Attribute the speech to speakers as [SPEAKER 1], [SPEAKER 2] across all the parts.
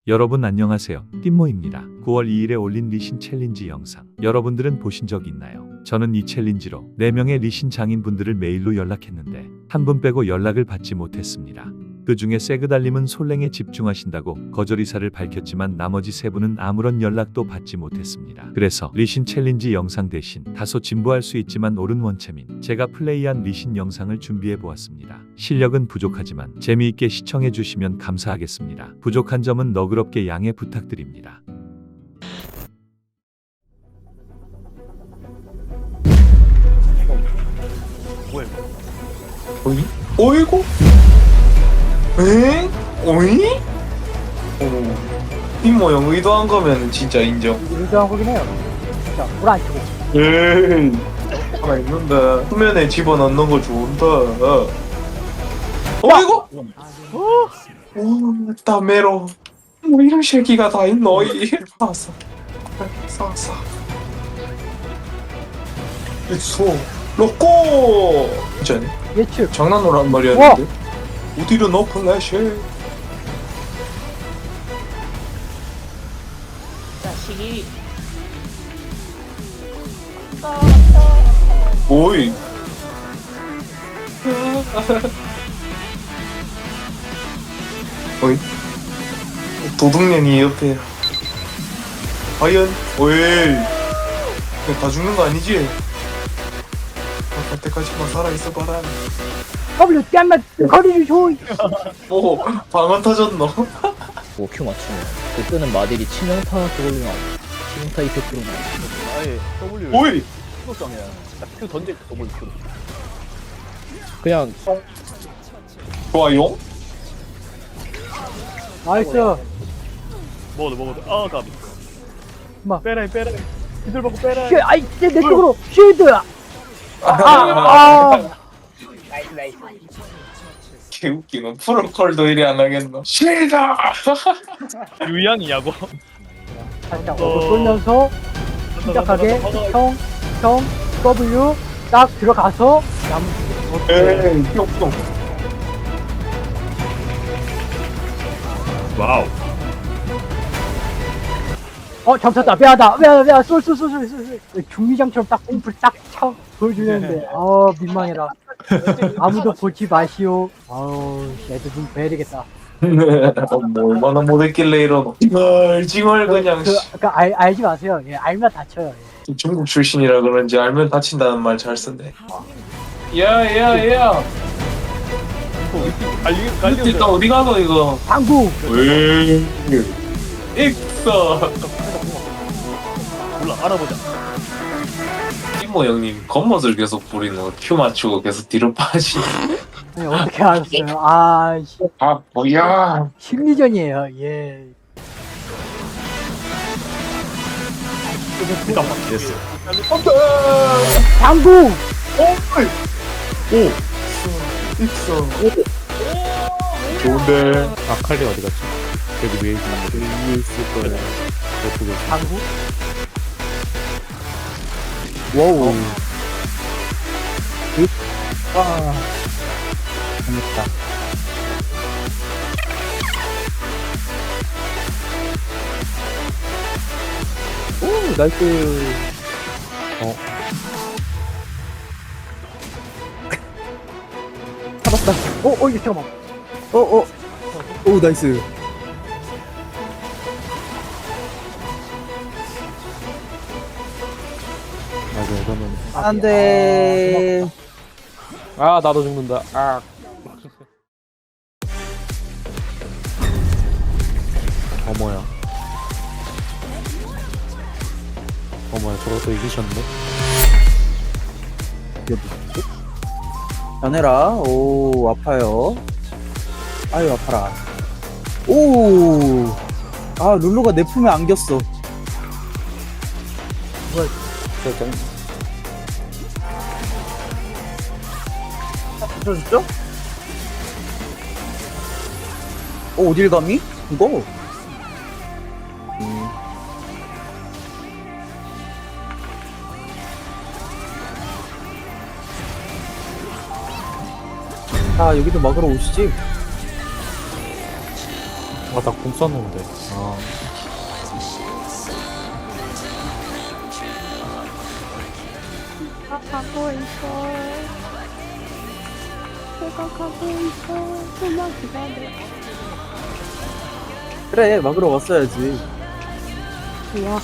[SPEAKER 1] 여러분 안녕하세요. 띵모입니다. 9월 2일에 올린 리신 챌린지 영상 여러분들은 보신 적 있나요? 저는 이 챌린지로 4명의 리신 장인분들을 메일로 연락했는데 한 분 빼고 연락을 받지 못했습니다. 그 중에 세그달님은 솔랭에 집중하신다고 거절 의사를 밝혔지만 나머지 3분은 아무런 연락도 받지 못했습니다. 그래서 리신 챌린지 영상 대신 다소 진부할 수 있지만 옳은 원체민 제가 플레이한 리신 영상을 준비해 보았습니다. 실력은 부족하지만 재미있게 시청해 주시면 감사하겠습니다. 부족한 점은 너그럽게 양해 부탁드립니다.
[SPEAKER 2] 뭐야?
[SPEAKER 3] 어이? 어이구? 엥? 어이? 이 모형 의도한 거면 진짜 인정.
[SPEAKER 4] 의도한 거긴 해요. 진짜 불안 치고.
[SPEAKER 3] 에이. 하나 있는데 수면에 집어넣는 거 좋은데. 어이구? 오, 다메로. 뭐 이런 새끼가 다 있노? 봤어. 쌌어. 있어. 로꼬. 진짜네.
[SPEAKER 4] 예측.
[SPEAKER 3] 장난으로 말이었는데. 어디로 넣어 플래시?
[SPEAKER 2] 자식이
[SPEAKER 3] 오이. 어이? 도둑년이 옆에. 과연? 오이. 다 죽는 거 아니지? 갈 때까지만 살아있어봐라.
[SPEAKER 4] W 뺨만 거리를 줘.
[SPEAKER 3] 뭐 방언 터졌노?
[SPEAKER 5] 뭐 Q 맞추면 그 뜨는 마딜이 치명타 그걸로 나와. 치명타 이펙트로 나와.
[SPEAKER 2] 아예 W
[SPEAKER 3] 오이!
[SPEAKER 2] Q성이야. 딱 Q 던질 때 W Q.
[SPEAKER 5] 그냥
[SPEAKER 3] 좋아요?
[SPEAKER 4] 나이스.
[SPEAKER 2] 먹어도 아 가비.
[SPEAKER 4] 뭐.
[SPEAKER 2] 빼라 빼라. 기술 받고 빼라.
[SPEAKER 4] 쉐, 아이, 내 쪽으로 쉴드.
[SPEAKER 3] 개웃기노. 프로콜도 이리 안 하겠노. 싫다!
[SPEAKER 2] 유양이냐고.
[SPEAKER 4] 살짝 돌면서 침착하게 형 W 딱 들어가서
[SPEAKER 3] 에이, 뿅뿅.
[SPEAKER 2] 와우.
[SPEAKER 4] 잡혔다. 미안하다. 쏠. 중미장처럼 딱 꼼풀 딱쳐 보여주는데 민망해라. 아무도 보지 마시오. 애들 좀 봐야 되겠다.
[SPEAKER 3] 뭐 얼마나 못했길래 이러노. 징얼 그냥.
[SPEAKER 4] 알지 마세요. 예, 알면 다쳐요. 예.
[SPEAKER 3] 중국 출신이라 그런지 알면 다친다는 말 잘 쓴대. 야.
[SPEAKER 2] 갈리오.
[SPEAKER 3] 일단 어디 가노 이거?
[SPEAKER 4] 방구.
[SPEAKER 3] 왜? 익서.
[SPEAKER 2] 몰라 알아보자.
[SPEAKER 3] 이모 형님 겉멋을 계속 부리노. 큐 맞추고 계속 뒤로 빠지.
[SPEAKER 4] 네, 어떻게 알았어요?
[SPEAKER 3] 아 뭐야?
[SPEAKER 4] 심리전이에요. 예.
[SPEAKER 2] 잠깐만. 됐어.
[SPEAKER 4] 방구.
[SPEAKER 3] 익서. 좋은데.
[SPEAKER 6] 아칼리 어디 갔지? 여기 위에 있는 거 위에 있을 거야. 어떻게?
[SPEAKER 4] 방구.
[SPEAKER 6] 와우. 와. 재밌다. 오, 나이스.
[SPEAKER 4] 잡았다. 이거 잠깐만.
[SPEAKER 6] 오, 나이스. 맞아, 이거는.
[SPEAKER 4] 안 돼.
[SPEAKER 6] 아, 나도 죽는다. 아. 어머야. 저것도 이기셨네.
[SPEAKER 7] 변해라. 오, 아파요. 아유, 아파라. 오! 아, 룰루가 내 품에 안겼어. 붙여줬죠? 어딜 감히? 이거? 여기도 막으러 오시지?
[SPEAKER 6] 바닥 공 쐈는데. 아,
[SPEAKER 8] 나 가고 있어. 내가 가고 있어. 좀만 기다려.
[SPEAKER 7] 그래, 막으러 왔어야지.
[SPEAKER 8] 우와.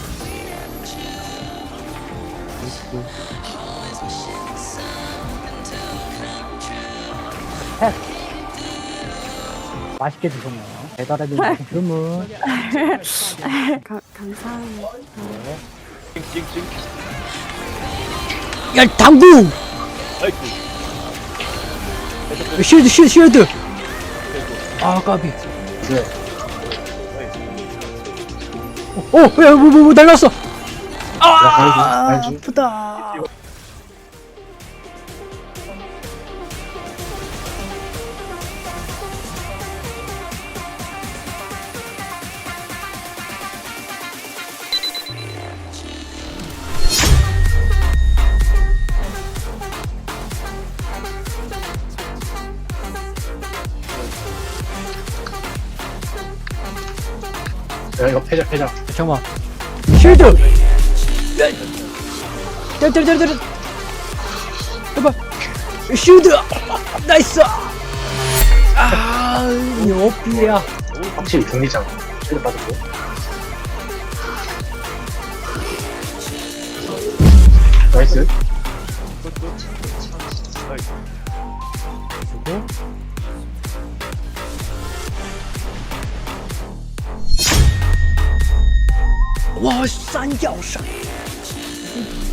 [SPEAKER 4] 맛있게 드셨네요. 배달해드린 주문.
[SPEAKER 8] 감사합니다.
[SPEAKER 2] 찡찡찡.
[SPEAKER 5] 야 당구!
[SPEAKER 2] 아이쿠.
[SPEAKER 5] 쉴드! 아 까비. 뭐 날랐어. 아 아프다.
[SPEAKER 4] 야, 이거 패자.
[SPEAKER 5] 잠깐만. 쉴드! 때려. 해봐. 쉴드! 나이스! 아, 여비야.
[SPEAKER 4] 확실히 중리장. 실드 빠졌고. 나이스.
[SPEAKER 5] 와, 싼脚上。